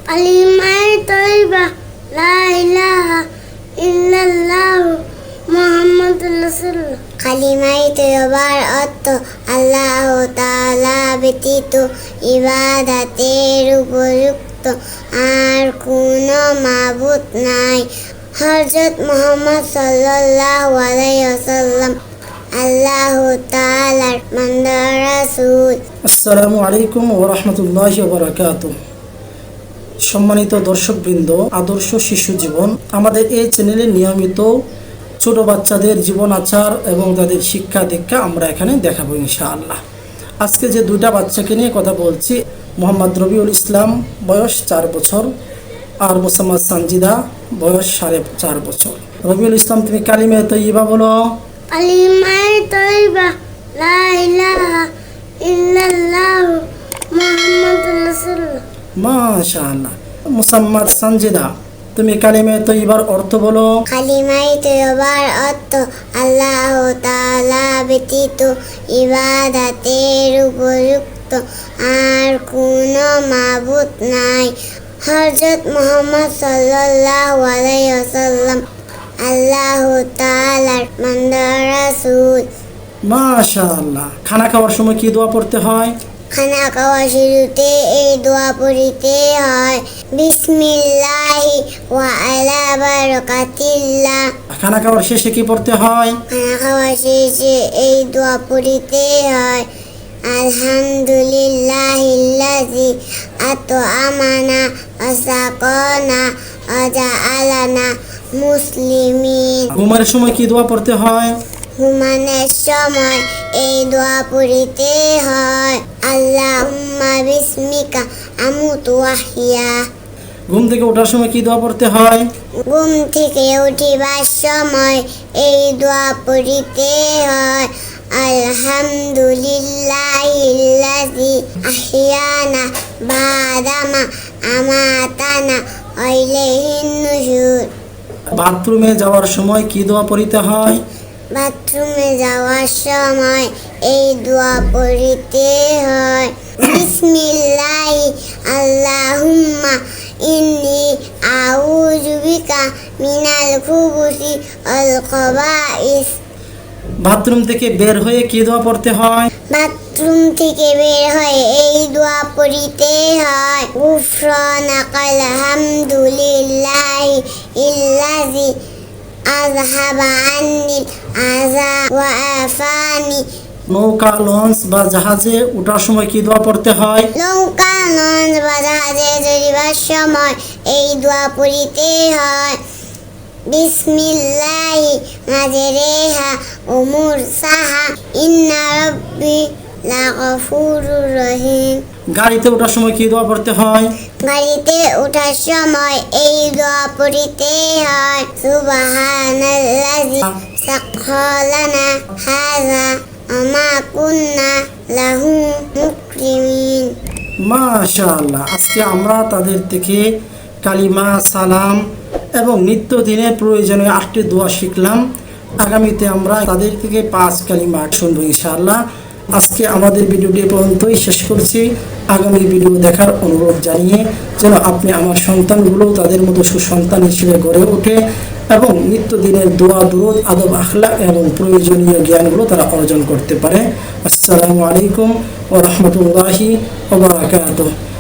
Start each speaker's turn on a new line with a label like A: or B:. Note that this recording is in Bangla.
A: কালিমায়ে তয়্যিবা লা ইলাহা ইল্লাল্লাহ মুহাম্মাদুর রাসূলুল্লাহ। কালিমায়ে তয়্যিবার অর্থ আল্লাহ তাআলা ব্যতীত ইবাদতের উপযুক্ত আর কোনো মাবুদ নাই। হযরত মুহাম্মদ সাল্লাল্লাহু আলাইহি ওয়াসাল্লাম আল্লাহ তাআলার বান্দা রাসূল।
B: আসসালামু আলাইকুম ওয়া রাহমাতুল্লাহি ওয়া বারাকাতুহু। সম্মানিত দর্শকবৃন্দ, আদর্শ শিশু জীবন আমাদের এই চ্যানেলে নিয়মিত ছোট বাচ্চাদের জীবন আচার এবং তাদের শিক্ষা দীক্ষা আমরা এখানে দেখাবো ইনশাআল্লাহ। আজকে যে দুইটা বাচ্চাকে নিয়ে কথা বলছি, মোহাম্মদ রবিউল ইসলাম বয়স 4 বছর আর মোসাম্মদ সানজিদা বয়স 4.5 বছর। রবিউল ইসলাম, তুমি কালিমায়ে তয়্যিবা বলো।
A: কালিমায়ে তয়্যিবা লা ইলাহা ইল্লাল্লাহ মুহাম্মাদুর রাসূলুল্লাহ।
B: মাশাআল্লাহ। মোসাম্মদ সানজিদা, তুমি কালিমায়ে তয়্যিবার অর্থ বলো।
A: কালিমায়ে তয়্যিবার অর্থ আল্লাহ তাআলা ব্যতীত ইবাদতের উপযুক্ত আর কোনো মাবুদ নাই। হযরত মুহাম্মদ সাল্লাল্লাহু আলাইহি ওয়াসাল্লাম আল্লাহ তাআলার বান্দা রাসূল।
B: মাশাআল্লাহ। খানা খাওয়ার সময় কি দোয়া পড়তে হয়?
A: খানা খাওয়ার শুরুতে এই দোয়া পড়িতে হয়, বিসমিল্লাহি ওয়া আলা বারাকাতিল্লাহ।
B: খানা খাওয়ার শেষে কি পড়তে হয়?
A: খানা খাওয়ার শেষে এই দোয়া পড়িতে হয়, আলহামদুলিল্লাহিল্লাযী আত'আমানা ওয়া সাকানা ওয়া জাআলানা মুসলিমিন।
B: ঘুমের সময় কি দোয়া পড়তে হয়?
A: ঘুমানোর সময় এই দোয়া পড়িতে হয়, আল্লাহুম্মা বিসমিকা আমুতু ওয়া আহইয়া।
B: ঘুম থেকে ওঠার সময় কি দোয়া পড়তে হয়?
A: ঘুম থেকে উঠিবার সময় এই দোয়া পড়িতে হয়, আলহামদুলিল্লাহিল্লাযী আহইয়ানা বা'দামা আমাতানা ওয়া ইলাইহিন নুশুর।
B: বাথরুমে যাওয়ার সময় কি দোয়া পড়তে হয়?
A: বাথরুমে যাওয়ার সময় এই দোয়া পড়িতে হয়, বিসমিল্লাহি আল্লাহুম্মা ইন্নী আউযু বিকা মিনাল খুবুসি ওয়াল খাবাইস।
B: বাথরুম থেকে বের হয়ে কি দোয়া পড়তে হয়?
A: বাথরুম থেকে বের হয়ে এই দোয়া পড়িতে হয়, গুফরানাকাল হামদুলিল্লাহি ইল্লাযী আযহাবা আন্নিল আযা ওয়া আফানি।
B: নৌকা, লঞ্চ বা জাহাজে ওঠার সময় কি দোয়া পড়তে হয়?
A: নৌকা, লঞ্চ বা জাহাজে চড়িবার সময় এই দোয়া পড়িতে হয়, বিসমিল্লাহি মাজরেহা ওয়া মুরসাহা ইন্না রাব্বি লাগফুরুর রহিম।
B: গাড়িতে ওঠার সময় কি দোয়া পড়তে হয়?
A: গাড়িতে ওঠার সময় এই দোয়া পড়িতে হয়, সুবহানাল্লাযী সাখখারানা হাযা ওয়া মা কুন্না লাহু মুকরিমিন।
B: মাশাআল্লাহ। আজকে আমরা তাদের থেকে কালিমা, সালাম এবং নিত্যদিনের প্রয়োজনীয় 8টি দোয়া শিখলাম। আগামীতে আমরা তাদের থেকে 5 কালিমা শুনবো ইনশাআল্লাহ। আজকে আমাদের ভিডিওটি পর্যন্তই শেষ করছি। আগামী ভিডিও দেখার অনুরোধ জানিয়ে যেন আপনি আমার সন্তানগুলো তাদের মতো সুসন্তান হিসেবে গড়ে ওঠে এবং নিত্যদিনের দোয়া, দুরূদ, আদব, আখলাক এবং প্রয়োজনীয় জ্ঞানগুলো তারা অর্জন করতে পারে। আসসালামু আলাইকুম ওয়া রাহমাতুল্লাহি ওয়া বারাকাতুহু।